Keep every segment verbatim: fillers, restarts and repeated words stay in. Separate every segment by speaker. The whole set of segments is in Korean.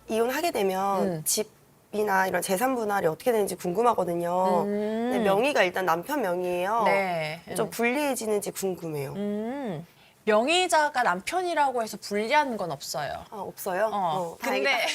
Speaker 1: 이혼하게 되면
Speaker 2: 음.
Speaker 1: 집이나 이런 재산 분할이 어떻게 되는지 궁금하거든요.
Speaker 2: 음.
Speaker 1: 근데 명의가 일단 남편 명의예요.
Speaker 2: 네.
Speaker 1: 좀 불리해지는지 궁금해요.
Speaker 2: 음. 명의자가 남편이라고 해서 불리한 건 없어요.
Speaker 1: 아, 없어요?
Speaker 2: 어,
Speaker 1: 다행이다.
Speaker 2: 근데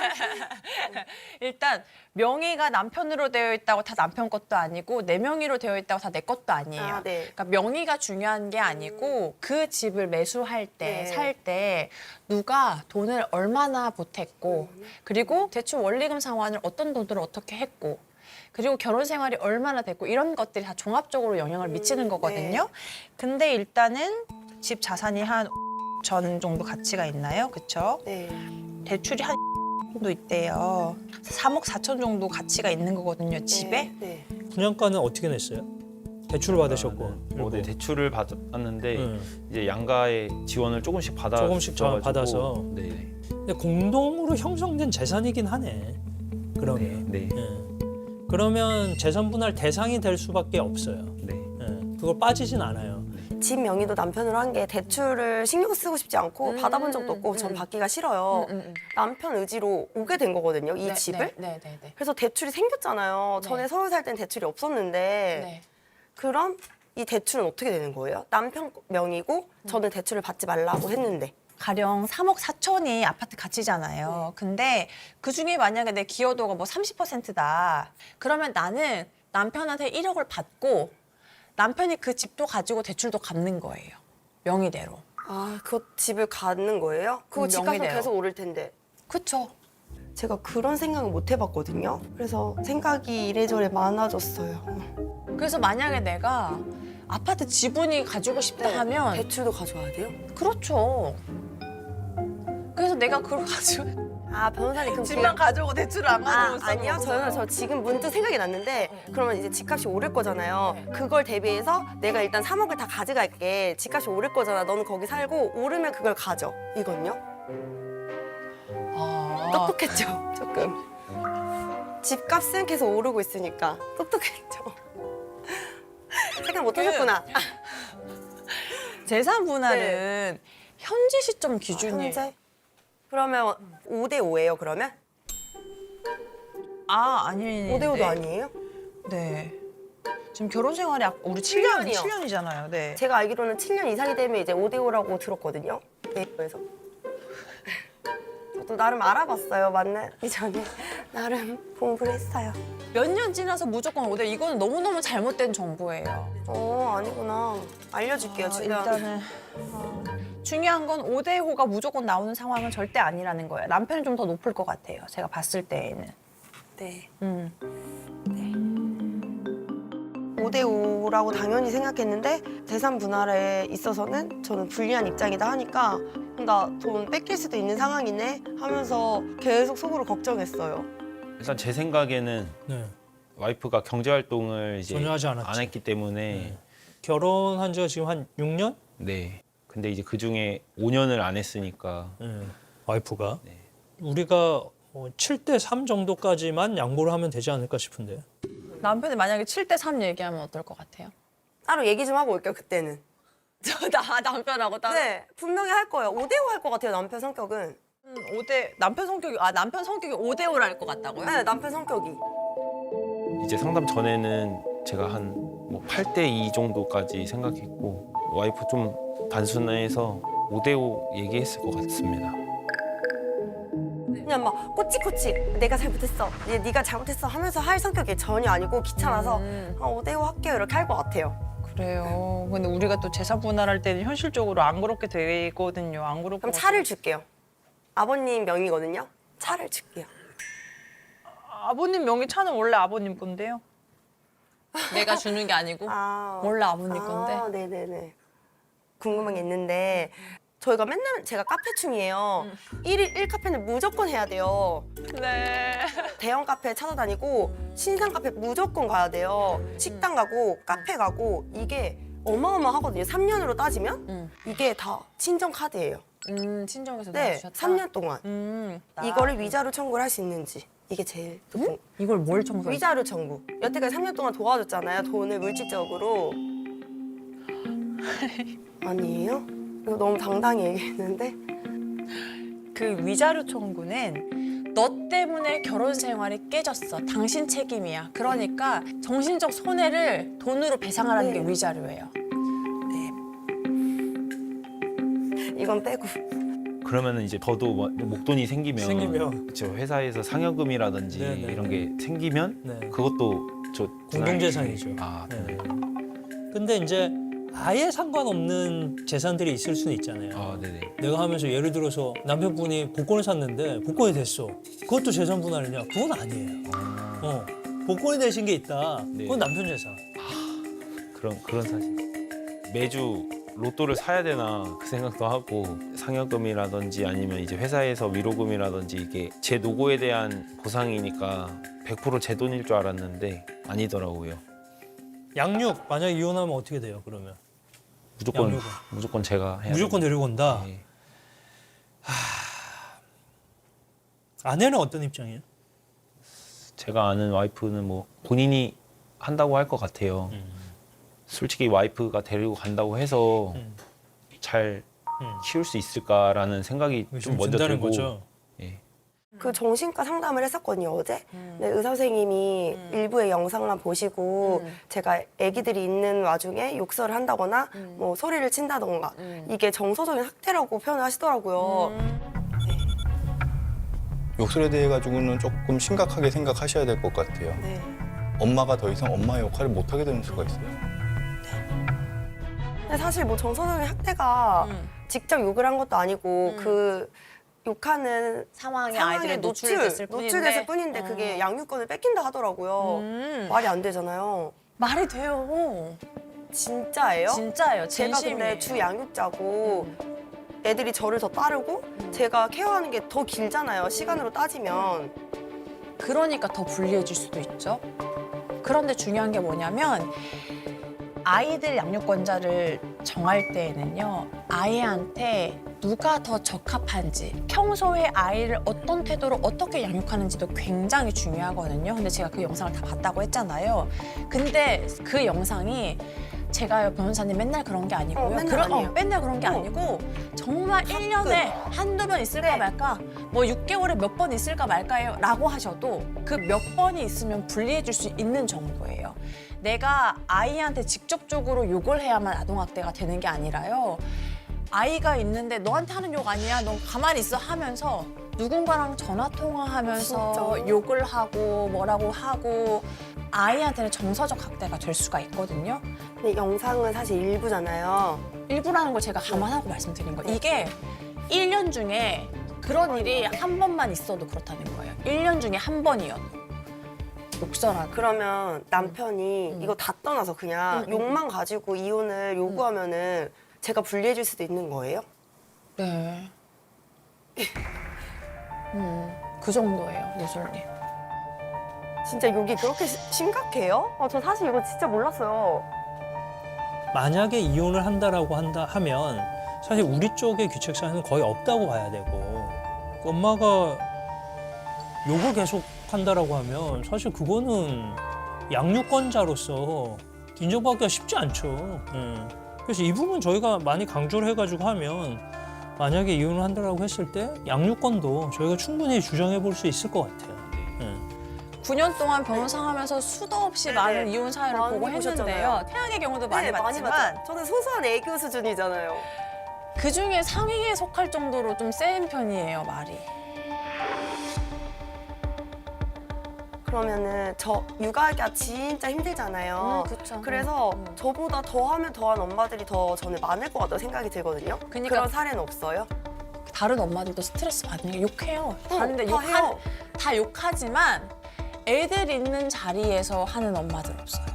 Speaker 2: 일단 명의가 남편으로 되어 있다고 다 남편 것도 아니고 내 명의로 되어 있다고 다 내 것도 아니에요.
Speaker 1: 아, 네.
Speaker 2: 그러니까 명의가 중요한 게 아니고 그 집을 매수할 때,
Speaker 1: 네.
Speaker 2: 살 때 누가 돈을 얼마나 보탰고 그리고 대출 원리금 상환을 어떤 돈으로 어떻게 했고 그리고 결혼 생활이 얼마나 됐고 이런 것들이 다 종합적으로 영향을 미치는 거거든요. 근데 일단은 집 자산이 한 전 정도 가치가 있나요? 그쵸?
Speaker 1: 네.
Speaker 2: 대출이 한 정도 있대요. 삼억 사천 정도 가치가 있는 거거든요, 집에.
Speaker 1: 네. 네.
Speaker 3: 분양가는 어떻게 냈어요? 대출을 받으셨고.
Speaker 4: 뭐, 네, 대출을 받았는데
Speaker 3: 응.
Speaker 4: 이제 양가의 지원을 조금씩 받아
Speaker 3: 조금씩
Speaker 4: 주셔가지고,
Speaker 3: 받아서.
Speaker 4: 네,
Speaker 3: 근데 공동으로 형성된 재산이긴 하네. 그러면.
Speaker 4: 네, 네,
Speaker 3: 예. 그러면 재산 분할 대상이 될 수밖에 없어요.
Speaker 4: 네.
Speaker 3: 예. 그걸 빠지진 않아요.
Speaker 1: 집 명의도 남편으로 한 게 대출을 신경 쓰고 싶지 않고
Speaker 2: 음,
Speaker 1: 받아본 적도 없고 전 받기가 싫어요.
Speaker 2: 음, 음, 음.
Speaker 1: 남편 의지로 오게 된 거거든요, 이
Speaker 2: 네,
Speaker 1: 집을.
Speaker 2: 네, 네, 네.
Speaker 1: 그래서 대출이 생겼잖아요.
Speaker 2: 네.
Speaker 1: 전에 서울 살 땐 대출이 없었는데
Speaker 2: 네.
Speaker 1: 그럼 이 대출은 어떻게 되는 거예요? 남편 명의고 저는 대출을 받지 말라고 했는데.
Speaker 2: 가령 삼억 사천이 아파트 가치잖아요. 근데 그중에 만약에 내 기여도가 뭐 삼십 퍼센트다. 그러면 나는 남편한테 일억을 받고 남편이 그 집도 가지고 대출도 갚는 거예요. 명의대로.
Speaker 1: 아, 그 집을 갖는 거예요? 그거
Speaker 2: 음,
Speaker 1: 집값은
Speaker 2: 명의대로.
Speaker 1: 계속 오를 텐데.
Speaker 2: 그쵸?
Speaker 1: 제가 그런 생각을 못 해봤거든요. 그래서 생각이 이래저래 많아졌어요.
Speaker 2: 그래서 만약에 내가 아파트 지분이 가지고 싶다
Speaker 1: 네,
Speaker 2: 하면
Speaker 1: 대출도 가져와야 돼요?
Speaker 2: 그렇죠. 그래서 내가 그걸 가지고
Speaker 1: 아, 변호사님 그럼
Speaker 2: 집만
Speaker 1: 그냥-
Speaker 2: 가져오고 대출을 안
Speaker 1: 아,
Speaker 2: 가져오고
Speaker 1: 아니요. 저는 저 지금 문득 생각이 났는데 그러면 이제 집값이 오를 거잖아요. 그걸 대비해서 내가 일단 삼억을 다 가져갈게. 집값이 오를 거잖아. 너는 거기 살고 오르면 그걸 가져. 이건요?
Speaker 2: 아,
Speaker 1: 똑똑했죠, 조금. 집값은 계속 오르고 있으니까 똑똑했죠. 생각 못 하셨구나.
Speaker 2: 재산 분할은 현재 시점 기준이
Speaker 1: 현재? 그러면 오 대 오예요, 그러면?
Speaker 2: 아 아니
Speaker 1: 오 대 오도 아니에요?
Speaker 2: 네. 지금 결혼 생활이 아- 우리 칠 년
Speaker 1: 년이요.
Speaker 2: 칠 년이잖아요. 네.
Speaker 1: 제가 알기로는 칠 년 이상이 되면 이제 오 대 오라고 들었거든요. 네이버에서. 저도 나름 알아봤어요. 만나기 전에 나름 공부를 했어요.
Speaker 2: 몇 년 지나서 무조건 오 대 이거는 너무너무 잘못된 정보예요.
Speaker 1: 어, 아니구나. 알려줄게요,
Speaker 2: 아,
Speaker 1: 진짜.
Speaker 2: 일단은 중요한 건 오 대 오가 무조건 나오는 상황은 절대 아니라는 거예요. 남편은 좀 더 높을 것 같아요. 제가 봤을 때에는.
Speaker 1: 네.
Speaker 2: 음.
Speaker 1: 오 대 오라고 당연히 생각했는데 재산 분할에 있어서는 저는 불리한 입장이다 하니까 나 돈 뺏길 수도 있는 상황이네 하면서 계속 속으로 걱정했어요.
Speaker 4: 일단 제 생각에는
Speaker 3: 네.
Speaker 4: 와이프가 경제 활동을 이제
Speaker 3: 전혀 하지 않았지.
Speaker 4: 안 했기 때문에
Speaker 3: 네. 결혼한 지가 지금 한 육 년?
Speaker 4: 네. 근데 이제 그 중에 오 년을 안 했으니까
Speaker 3: 네. 와이프가.
Speaker 4: 네.
Speaker 3: 우리가 어, 칠 대 삼 정도까지만 양보를 하면 되지 않을까 싶은데.
Speaker 2: 남편이 만약에 칠 대 삼 얘기하면 어떨 것 같아요?
Speaker 1: 따로 얘기 좀 하고 올게요, 그때는.
Speaker 2: 저 나 남편하고 따로
Speaker 1: 네, 분명히 할 거예요. 오 대 오 할 것 같아요, 남편 성격은.
Speaker 2: 오 대 남편 성격이 아 남편 성격이 오 대 오를 할 것 같다고요?
Speaker 1: 네, 남편 성격이.
Speaker 4: 이제 상담 전에는 제가 한 뭐 팔 대 이 정도까지 생각했고 와이프 좀 단순해서 오 대 오 얘기했을 것 같습니다.
Speaker 1: 그냥 막 꼬치꼬치 내가 잘못했어, 얘 네가 잘못했어 하면서 할 성격이 전혀 아니고 귀찮아서
Speaker 2: 음.
Speaker 1: 아, 오 대 오 할게요 이렇게 할 것 같아요.
Speaker 2: 그래요. 근데 우리가 또 재산 분할할 때는 현실적으로 안 그렇게 되거든요. 안 그렇고.
Speaker 1: 그럼 차를 줄게요. 아버님 명의거든요. 차를 줄게요.
Speaker 2: 아버님 명의 차는 원래 아버님 건데요. 내가 주는 게 아니고
Speaker 1: 아,
Speaker 2: 원래 아버님
Speaker 1: 아,
Speaker 2: 건데.
Speaker 1: 네네네. 궁금한 게 있는데 저희가 맨날 제가 카페충이에요. 일 일 일 카페는 무조건 해야 돼요.
Speaker 2: 네.
Speaker 1: 대형 카페 찾아다니고 신상 카페 무조건 가야 돼요. 식당 가고 카페 가고 이게 어마어마하거든요. 삼 년으로 따지면
Speaker 2: 음.
Speaker 1: 이게 다 친정 카드예요.
Speaker 2: 음 친정에서
Speaker 1: 네,
Speaker 2: 도와주셨다.
Speaker 1: 삼 년 동안
Speaker 2: 음.
Speaker 1: 이거를 위자료 청구를 할 수 있는지 이게 제일 궁금-
Speaker 2: 이걸 뭘 청소해?
Speaker 1: 위자료 청구. 여태까지 삼 년 동안 도와줬잖아요. 돈을 물질적으로. 아니에요? 이거 너무 당당히 얘기했는데.
Speaker 2: 그 위자료 청구는 너 때문에 결혼 생활이 깨졌어. 당신 책임이야. 그러니까 정신적 손해를 돈으로 배상하라는
Speaker 1: 네.
Speaker 2: 게 위자료예요.
Speaker 1: 이건 빼고.
Speaker 4: 그러면은 이제 저도 뭐 목돈이 생기면,
Speaker 3: 생기면.
Speaker 4: 저 회사에서 상여금이라든지
Speaker 3: 네네.
Speaker 4: 이런 게 생기면
Speaker 3: 네.
Speaker 4: 그것도 저
Speaker 3: 공동재산이죠.
Speaker 4: 아,
Speaker 3: 네.
Speaker 4: 네.
Speaker 3: 근데 이제 아예 상관없는 재산들이 있을 수는 있잖아요.
Speaker 4: 아, 네네.
Speaker 3: 내가 하면서 예를 들어서 남편분이 복권을 샀는데 복권이 됐어. 그것도 재산 분할이냐? 그건 아니에요.
Speaker 4: 아,
Speaker 3: 어, 복권이 되신 게 있다.
Speaker 4: 네.
Speaker 3: 그건 남편 재산.
Speaker 4: 그런 그런 사실. 매주 로또를 사야 되나 그 생각도 하고 상여금이라든지 아니면 이제 회사에서 위로금이라든지 이게 제 노고에 대한 보상이니까 백 퍼센트 제 돈일 줄 알았는데 아니더라고요.
Speaker 3: 양육 만약에 이혼하면 어떻게 돼요? 그러면
Speaker 4: 무조건
Speaker 3: 양육은?
Speaker 4: 무조건 제가 해야
Speaker 3: 무조건
Speaker 4: 됩니다.
Speaker 3: 데리고 온다.
Speaker 4: 네.
Speaker 3: 아내는 어떤 입장이에요?
Speaker 4: 제가 아는 와이프는 뭐 본인이 한다고 할 것 같아요.
Speaker 3: 음.
Speaker 4: 솔직히 와이프가 데리고 간다고 해서
Speaker 3: 음.
Speaker 4: 잘
Speaker 3: 음.
Speaker 4: 키울 수 있을까라는 생각이
Speaker 3: 좀
Speaker 4: 좀 먼저
Speaker 3: 든다는
Speaker 4: 들고.
Speaker 3: 거죠.
Speaker 4: 예.
Speaker 1: 그 정신과 상담을 했었거든요, 어제.
Speaker 2: 음.
Speaker 1: 근데 의사 선생님이
Speaker 2: 음.
Speaker 1: 일부의 영상만 보시고
Speaker 2: 음.
Speaker 1: 제가 아기들이 있는 와중에 욕설을 한다거나
Speaker 2: 음.
Speaker 1: 뭐 소리를 친다던가
Speaker 2: 음.
Speaker 1: 이게 정서적인 학대라고 표현을 하시더라고요.
Speaker 2: 음.
Speaker 5: 욕설에 대해 가지고는 조금 심각하게 생각하셔야 될 것 같아요.
Speaker 1: 네.
Speaker 5: 엄마가 더 이상 엄마의 역할을 못 하게 되는 수가 있어요.
Speaker 1: 근데 사실 뭐 정서적인 학대가
Speaker 2: 음.
Speaker 1: 직접 욕을 한 것도 아니고
Speaker 2: 음.
Speaker 1: 그 욕하는
Speaker 2: 상황에
Speaker 1: 상황에
Speaker 2: 아이들이
Speaker 1: 노출,
Speaker 2: 노출됐을 뿐인데,
Speaker 1: 노출됐을 뿐인데
Speaker 2: 어.
Speaker 1: 그게 양육권을 뺏긴다 하더라고요.
Speaker 2: 음.
Speaker 1: 말이 안 되잖아요.
Speaker 2: 말이 돼요.
Speaker 1: 진짜예요?
Speaker 2: 진짜예요.
Speaker 1: 제가
Speaker 2: 진심이에요.
Speaker 1: 근데 주 양육자고
Speaker 2: 음.
Speaker 1: 애들이 저를 더 따르고
Speaker 2: 음.
Speaker 1: 제가 케어하는 게 더 길잖아요. 시간으로 따지면.
Speaker 2: 그러니까 더 불리해질 수도 있죠. 그런데 중요한 게 뭐냐면 아이들 양육권자를 정할 때에는요. 아이한테 누가 더 적합한지, 평소에 아이를 어떤 태도로 어떻게 양육하는지도 굉장히 중요하거든요. 근데 제가 그 영상을 다 봤다고 했잖아요. 근데 그 영상이 제가요, 변호사님 맨날 그런 게 아니고요.
Speaker 1: 어, 맨날
Speaker 2: 그런-
Speaker 1: 아니에요.
Speaker 2: 맨날 그런 게
Speaker 1: 어.
Speaker 2: 아니고 정말 일 년에 한두 번 있을까
Speaker 1: 네.
Speaker 2: 말까, 뭐 육 개월에 몇 번 있을까 말까요? 라고 하셔도 그 몇 번이 있으면 불리해질 수 있는 정도예요. 내가 아이한테 직접적으로 욕을 해야만 아동학대가 되는 게 아니라요. 아이가 있는데 너한테 하는 욕 아니야? 너 가만히 있어 하면서 누군가랑 전화 통화하면서
Speaker 1: 진짜요?
Speaker 2: 욕을 하고 뭐라고 하고 아이한테는 정서적 학대가 될 수가 있거든요.
Speaker 1: 근데 영상은 사실 일부잖아요.
Speaker 2: 일부라는 걸 제가 감안하고 말씀드린 거예요.
Speaker 1: 네.
Speaker 2: 이게 일 년 중에 그런 일이 한 번만 있어도 그렇다는 거예요. 일 년 중에 한 번이어도. 욕설하고.
Speaker 1: 그러면 남편이
Speaker 2: 음.
Speaker 1: 이거 다 떠나서 그냥
Speaker 2: 음, 음.
Speaker 1: 욕만 가지고 이혼을 요구하면은 제가 불리해질 수도 있는 거예요?
Speaker 2: 네. 음, 그 정도예요, 노솔님.
Speaker 1: 진짜 욕이 그렇게 시- 심각해요? 아, 저 사실 이거 진짜 몰랐어요.
Speaker 3: 만약에 이혼을 한다라고 한다 하면 사실 우리 쪽의 규칙 사항은 거의 없다고 봐야 되고 그 엄마가 욕을 계속 한다라고 하면 사실 그거는 양육권자로서 인정받기가 쉽지 않죠. 음. 그래서 이 부분 저희가 많이 강조를 해가지고 하면 만약에 이혼을 한다라고 했을 때 양육권도 저희가 충분히 주장해 볼 수 있을 것 같아요. 음.
Speaker 2: 구 년 동안 변호사 하면서 수도 없이
Speaker 1: 네네.
Speaker 2: 많은 이혼 사연을
Speaker 1: 많이
Speaker 2: 보고 했는데요.
Speaker 1: 보셨잖아요.
Speaker 2: 태양의 경우도 많이
Speaker 1: 네,
Speaker 2: 봤지만
Speaker 1: 봤죠. 저는 소소한 애교 수준이잖아요.
Speaker 2: 그 중에 상위에 속할 정도로 좀 센 편이에요, 말이.
Speaker 1: 그러면은 저 육아가 진짜 힘들잖아요.
Speaker 2: 음, 그쵸.
Speaker 1: 그래서
Speaker 2: 음.
Speaker 1: 저보다 더하면 더한 엄마들이 더 저는 많을 것 같다고 생각이 들거든요.
Speaker 2: 그러니까-
Speaker 1: 그런 사례는 없어요?
Speaker 2: 다른 엄마들도 스트레스 받으니까 욕해요.
Speaker 1: 어,
Speaker 2: 다른데
Speaker 1: 다
Speaker 2: 욕하,
Speaker 1: 해요.
Speaker 2: 다 욕하지만 애들 있는 자리에서 하는 엄마들 없어요.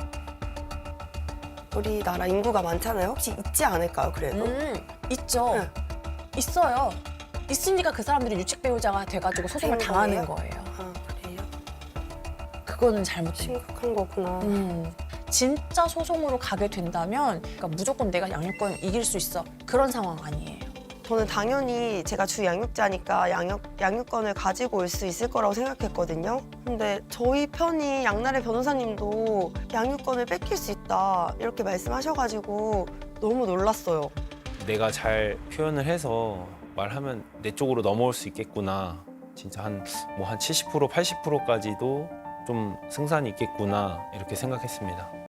Speaker 1: 우리나라 인구가 많잖아요. 혹시 있지 않을까요, 그래도?
Speaker 2: 음, 있죠.
Speaker 1: 네.
Speaker 2: 있어요. 있으니까 그 사람들이 유책 배우자가 돼가지고 소송을
Speaker 1: 된
Speaker 2: 당하는
Speaker 1: 거예요?
Speaker 2: 거예요.
Speaker 1: 아, 그래요?
Speaker 2: 그거는 잘못된 거예요.
Speaker 1: 심각한 거구나.
Speaker 2: 음, 진짜 소송으로 가게 된다면 그러니까 무조건 내가 양육권 이길 수 있어. 그런 상황 아니에요.
Speaker 1: 저는 당연히 제가 주 양육자니까 양육, 양육권을 가지고 올 수 있을 거라고 생각했거든요. 근데 저희 편이 양날의 변호사님도 양육권을 뺏길 수 있다 이렇게 말씀하셔가지고 너무 놀랐어요.
Speaker 4: 내가 잘 표현을 해서 말하면 내 쪽으로 넘어올 수 있겠구나 진짜 한 뭐 한 칠십 퍼센트 팔십 퍼센트까지도 좀 승산이 있겠구나 이렇게 생각했습니다.